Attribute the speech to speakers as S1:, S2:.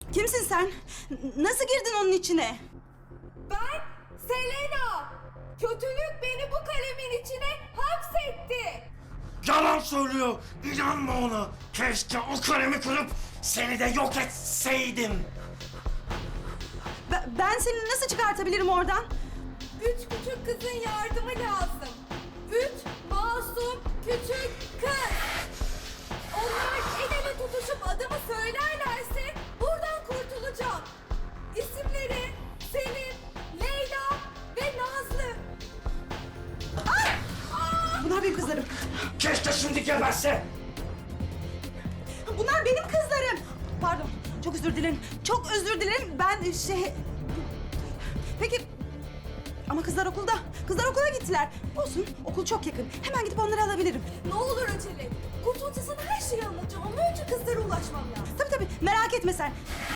S1: Kimsin sen? Nasıl girdin onun içine?
S2: Ben Selena. Kötülük beni bu kalemin içine hapsetti.
S3: Yalan söylüyor. İnanma ona. Keşke o kalemi kırıp seni de yok etseydim.
S1: Ben seni nasıl çıkartabilirim oradan?
S2: 3 küçük kızın yardımı lazım. 3 masum küçük kız. Onlar el ele tutuşup adımı söylerlerse buradan kurtulacağım. İsimleri Selim, Leyla ve Nazlı.
S1: Bunlar benim kızlarım.
S3: Keşke şimdi geberse.
S1: Bunlar benim kızlarım. Pardon, çok özür dilerim. Çok özür dilerim. Ben Peki... Ama kızlar okulda. Kızlar okula gittiler. Olsun, okul çok yakın. Hemen gidip onları alabilirim.
S2: Ne olur acele. Kurtulunca sana her şeyi anlatacağım ama önce kızlara ulaşmam lazım.
S1: Tabii, merak etme sen.